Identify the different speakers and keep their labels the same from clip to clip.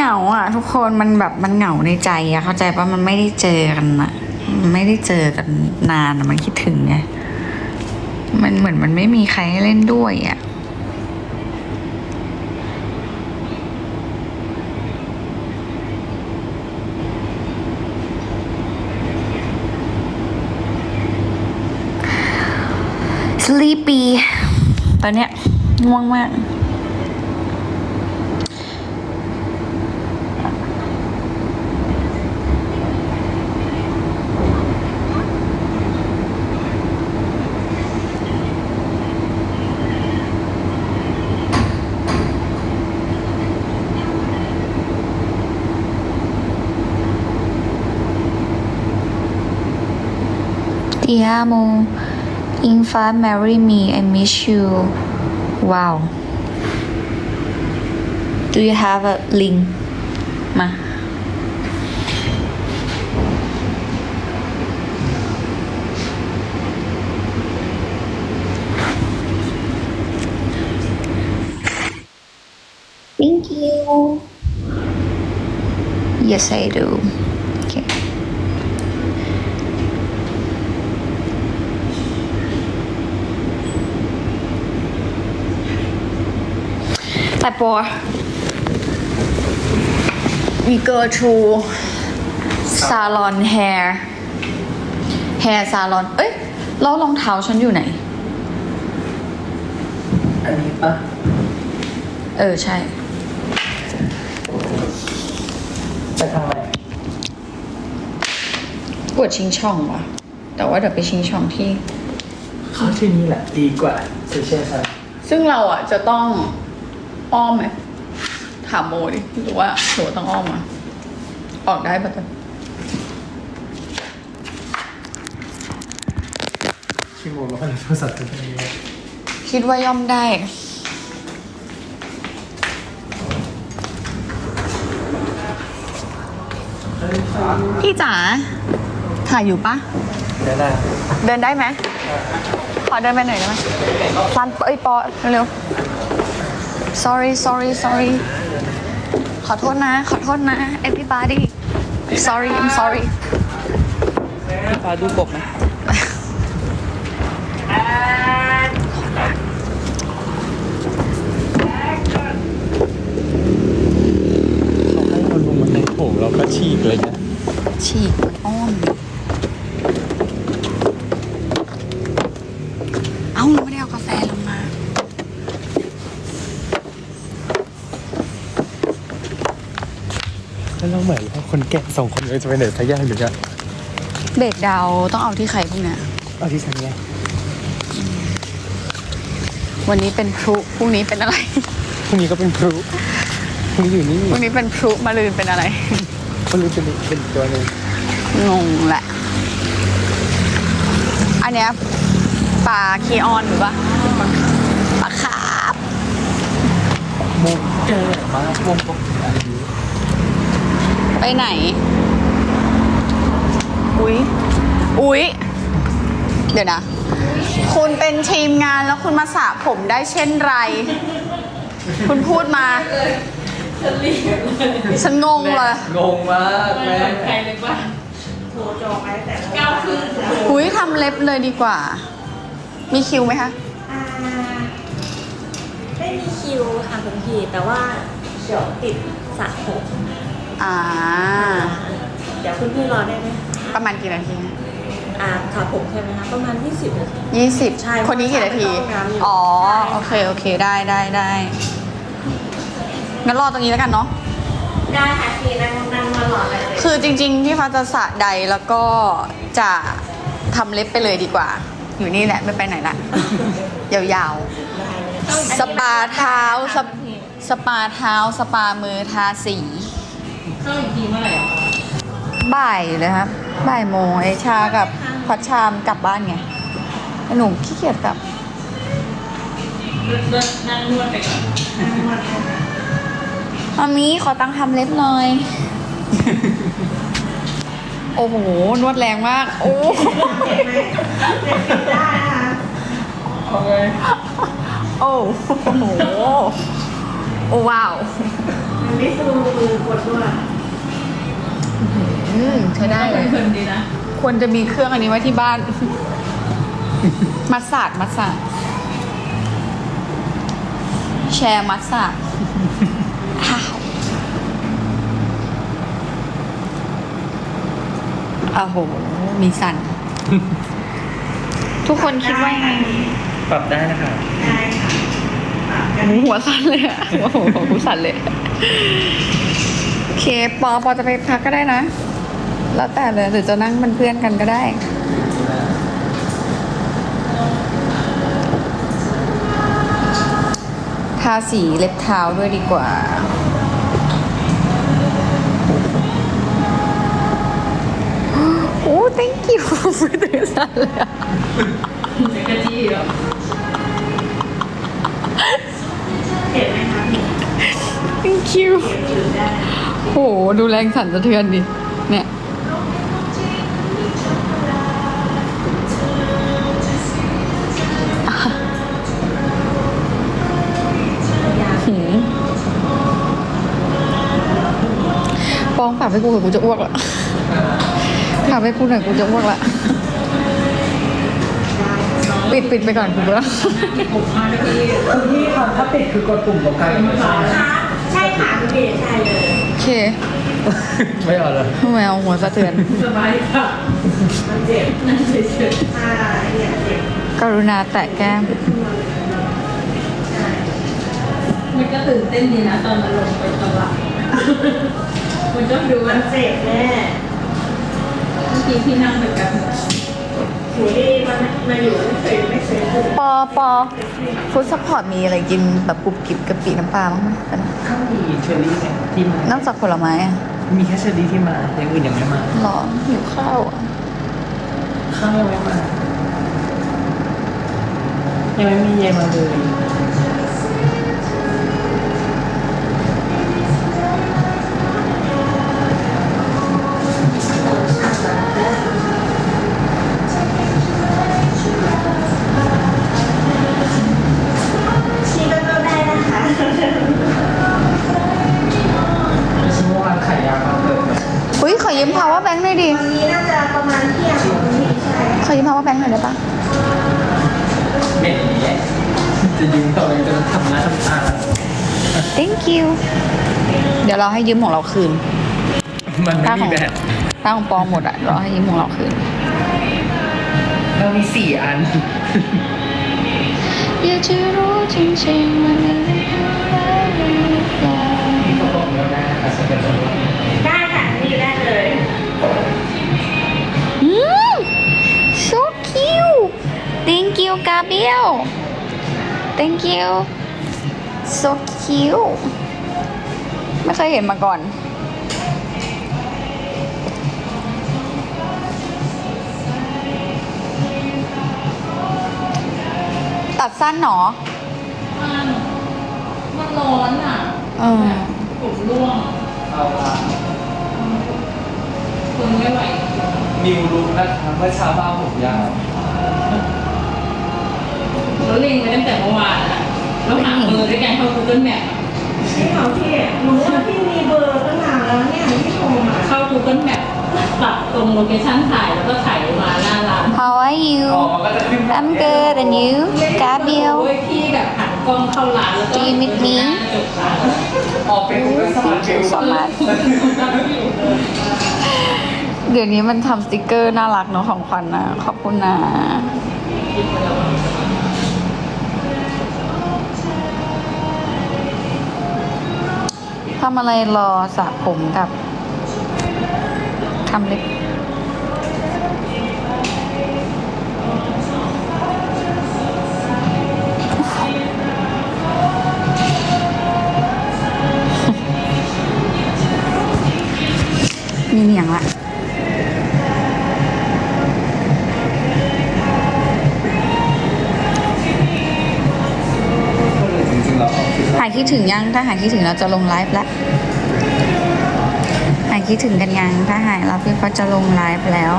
Speaker 1: งาอ่ะทุกคนมันแบบมันเหงาในใจอะเข้าใจปะมันไม่ได้เจอกันอะมันไม่ได้เจอกันนานอะมันคิดถึงไงมันเหมือนมันไม่มีใครให้เล่นด้วยอะสลีปปี้ตอนเนี้ยง่วงมากTi amo Infa marry me I miss you wow do you have a link มา thank you yes I do okayแต่ปอ we go to salon hair salon เอ้ยแล้วรองเท้าฉันอยู่ไหน
Speaker 2: อันนี้ปะ
Speaker 1: ใช่
Speaker 2: ไปทางไหน
Speaker 1: ปวดชิงช่องว่ะแต่ว่าเดี๋ยวไปชิงช่องที่
Speaker 2: เข้าที่นี่แหละดีกว่าเซเช่ซัน
Speaker 1: ซึ่งเราอ่ะจะต้องอ้อมไหมถามโมดิหรือว่าต้องอ้อมอ่ะออกได้ปะจ๊ะ
Speaker 2: ชิโมแล้วก็โทรศัพท์ตัวนี้
Speaker 1: คิดว่าย่อมได้ พี่จ๋าถ่ายอยู่ปะ
Speaker 2: ได้
Speaker 1: เดินได้ไหมขอเดินไปหน่อยได้ไหมซันปอเร็วๆ sorryขอโทษนะ everybody I'm sorry
Speaker 2: พี่ฟ้าดูกบไหมเขาให้เราลงมาในโถเราก็ฉีกเลยนะ
Speaker 1: ฉีกมันอ้อมเอ้าไม่ได้เอากาแฟลงมา
Speaker 2: แล้วเราเหมือนว่าคนแก่สองคนเลยจะไปไหนสักอย่างหนึ่งอะ
Speaker 1: เบรกดาวน์ต้องเอาที่ใครพวกเนี้ย
Speaker 2: เอาที่ฉันไง
Speaker 1: วันนี้เป็นพลุพรุ่งนี้เป็นอะไร
Speaker 2: พรุ่งนี้ก็เป็นพลุพรุ่งนี้อยู่นี่
Speaker 1: พรุ่งนี้เป็นพลุมะรืนเป็นอะไร
Speaker 2: พรุ่งนี้เป็นตัวหนึ่ง
Speaker 1: งงแหละ อันเนี้ยปลาคีออนหรือปะปลาคาร์ฟ
Speaker 2: มุกเจอมากวงกบอันนี้
Speaker 1: ไปไหน อุ๊ย เดี๋ยวนะ คุณเป็นทีมงานแล้วคุณมาสระผมได้เช่นไร คุณพูดมา ฉันงงเลย
Speaker 2: งงมากแม่
Speaker 3: ใครเลยว่าโทรจองไว้แต่9:30
Speaker 1: อุ๊ยทำเล็บเลยดีกว่า มีคิวไหมคะ
Speaker 3: ไม่มีคิวค่ะคุณพี่แต่ว่าเดี๋ยวติดสระผม เดี๋ยวคุณพี่รอได้ไหม
Speaker 1: ประมาณกี่นาที
Speaker 3: สระผมใช่ไหมคะประมาณ20 นาที
Speaker 1: 20
Speaker 3: ใช่
Speaker 1: คนนี้กี่นาที
Speaker 3: เข้าห้องน้ำอยู่
Speaker 1: อ๋อ โอเค ได้งั้นรอตรงนี้แล้วกันเนาะ
Speaker 3: ได้ค่ะพี่นั่งมารอเลย
Speaker 1: คือจริงๆพี่ฟ้าจะสระใดแล้วก็จะทำเล็บไปเลยดีกว่า อยู่นี่แหละไม่ไปไหนละ ยาวๆ สปาเท้าสปาเท้าสปามือทาสี
Speaker 3: เข้าอีกทีเมื่อไหร่อะ
Speaker 1: บ่ายเลยครับบ่ายโมงไอชากับพัชชามกลับบ้านไงหนูขี้เกียจกลับ
Speaker 3: นั่งนวดไปก่อน
Speaker 1: มามีขอตังค์ทำเล็บหน่อย โอ้โห นวดแรงมาก โอ้
Speaker 3: ได้นะคะ
Speaker 1: โอ้โห โอ้ว้าว
Speaker 3: ไไม่สู้มือกดด้วย
Speaker 1: ใช้ได้เลย
Speaker 3: เพลินดีนะ
Speaker 1: ควรจะมีเครื่องอันนี้ไว้ที่บ้าน มัสสาดแชร์มัสสาดอ้าวโอ้โห มีสั่น ทุกคนคิดว่ายังไง
Speaker 2: ปรับได้นะคะ
Speaker 3: ได้ค่ะ
Speaker 1: หัวสั่นเลยอะโอ้โหหัวสั่นเลย โอเค ปอจะไปพักก็ได้นะ แล้วแต่เลยหรือจะนั่งเป็นเพื่อนกันก็ได้ ทาสีเล็บเท้าด้วยดีกว่า โอ้ thank you มือถือสั่นเลยอะ
Speaker 3: เซ็กซี่เหรอเห็นไหมคะ
Speaker 1: thank you โห ดูแรงสั่นสะเทือนดิ เนี่ย หืมปองฝากไปกูเถอะกูจะอ้วกละฝากไปกูหน่อยกูจะอ้วกละปิดไปก่อนกูแล้ว
Speaker 2: คุณพี่ค่ะถ้าปิดคือกดปุ่มตรงกลางไม่ใช่
Speaker 3: ใช่ค่ะคุณพี่ใช่เลย
Speaker 1: โอเค
Speaker 2: ไม่เอาเลย
Speaker 1: แมวหัวสะเทือน
Speaker 3: สบายค่ะมันเจ็บนั่นเฉยๆเนี่ยเจ็บ
Speaker 1: กรุณาแตะแก้ม
Speaker 3: มันก็ตื่นเต้นดีนะตอนมันลงไปตลาดมันก็ดูมันเจ็บแน่เมื่อกี้ที่นั่งไปกันหูดีมันอยู่ไม่เคย
Speaker 1: ปอฟู้ดซัพพอร์ตมีอะไรกินแบบกรุบกริบกะปิน้ำปลาบ้างไหม
Speaker 2: ข้าวมีเชอรี่ไงที่มาน
Speaker 1: อกจากผลไม้อะ
Speaker 2: มีแค่เชอรี่ที่มาอย่างอื่นยังไม่มา
Speaker 1: หรอหิวข้าวอะ
Speaker 2: ข้าวยังไม่มายังไม่มีเยมาเลย
Speaker 3: ชีก็ได้นะคะ
Speaker 2: ชั่วโมงวันไข่ยาวมาเกิด
Speaker 1: อุ้ยขอยืม power bank หน่อยดิ
Speaker 3: วันนี้น่าจะประมาณเที่ยงนี้ใช่
Speaker 1: ขอยืม power bank หน่อยได้ปะ
Speaker 2: เม็ดนี้จะยืมต่อไปจะทำหน้าทำตา
Speaker 1: thank you เดี๋ยวเราให้ยืมของเราคืน
Speaker 2: มันไม่มีแบบ
Speaker 1: ถ้าของปอหมดอะเราให้ยืมของเราคืน
Speaker 2: เรามี4 อัน
Speaker 1: อยากจะรู้จริงๆมันเป็นอะไรหรือเปล่า
Speaker 2: นี่เขาบอกแล้วได้นะคะสเก็ตบอร์ด
Speaker 3: ได้ค่ะนี่ได้เลย
Speaker 1: อืม so cute thank you Gabriel thank you so cute ไม่เคยเห็นมาก่อน ตัดสั้นหนอ
Speaker 3: มันร้อนอ่ะ ผมร่วง
Speaker 2: เอาละ
Speaker 3: คนไม่ไหว
Speaker 2: นิวรู้นะคะเมื่อเช้าบ้าผมยาว
Speaker 3: แล้วเล็งไปตั้งแต่เมื่อวานอ่ะแล้วหาเบอร์ด้วยกันเข้า Google Map
Speaker 4: พี่เขาพี่รู้ว่าพี่มีเบอร์ตั้งนานแล้วเนี่ยที่โทรมา
Speaker 3: เข้า Google Map ตัดตรงโลเคชั่นถ่ายแล้วก็ถ่ายมาหน้าร้าน
Speaker 1: How are you
Speaker 2: อ๋อก็จะขึ้น
Speaker 1: I'm good and you Gabriel
Speaker 3: โอ้ยพี่แบบหันกล้องเข้าร้านแล้วก็
Speaker 1: Do you meet me?
Speaker 3: หน้าจบร้าน
Speaker 2: ออกเป็นกูสมัครวิว
Speaker 1: so much เดี๋ยวนี้มันทำสติกเกอร์น่ารักเนาะของขวัญนะขอบคุณนะ ทำอะไรรอสระผมกับทำเล็บมีเหนียงละ
Speaker 2: จริงๆเราออกคือ
Speaker 1: หายคิดถึงยัง ถ้าหายคิดถึงเราจะลงไลฟ์แล้ว หายคิดถึงกันยัง ถ้าหายเราพี่เขาจะลงไลฟ์แล้ว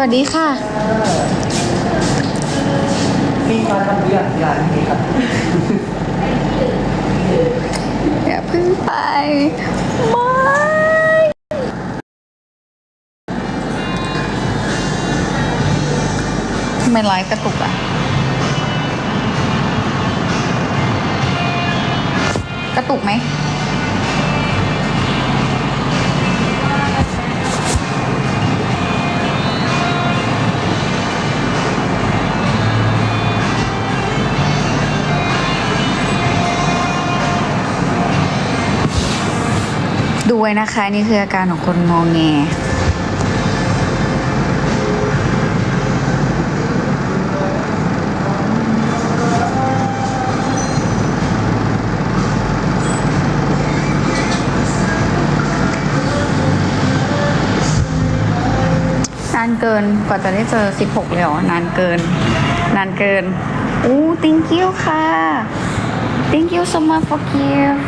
Speaker 1: วัสดีค่ะ
Speaker 2: พี่มาทำเรื่องงานนี้ครับ
Speaker 1: อย่าเพิ่งไป ไม่ทำไมไลฟ์กระตุกอ่ะ กระตุกไหม ดูไว้นะคะ นี่คืออาการของคนงอแง นานเกินกว่าจะได้เจอ 16เลยเหรอนานเกิน นานเกิน อู้ thank you ค่ะ thank you so much for gift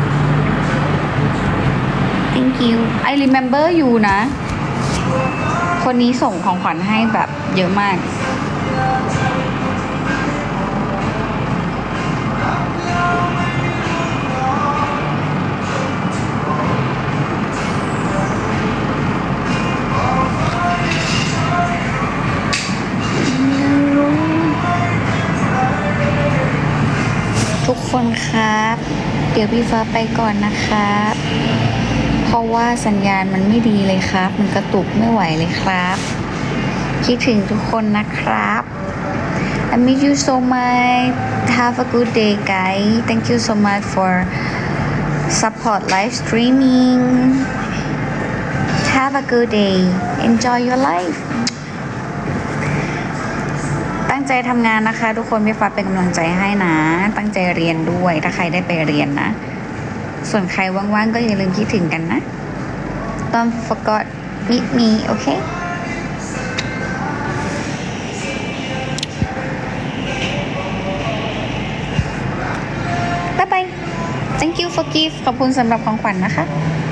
Speaker 1: thank you I remember you นะ คนนี้ส่งของขวัญให้แบบเยอะมาก ทุกคนครับ เดี๋ยวพี่ฟ้าไปก่อนนะครับ เพราะว่าสัญญาณมันไม่ดีเลยครับ มันกระตุกไม่ไหวเลยครับ คิดถึงทุกคนนะครับ I miss you so much. Have a good day, guys. Thank you so much for support live streaming. Have a good day. Enjoy your life. ตั้งใจทำงานนะคะ ทุกคนพี่ฟ้าเป็นกำลังใจให้นะ ตั้งใจเรียนด้วยถ้าใครได้ไปเรียนนะ ส่วนใครว่างๆก็อย่าลืมคิดถึงกันนะ Don't forget meet me, okay? Bye bye. Thank you for gift. ขอบคุณสำหรับของขวัญนะคะ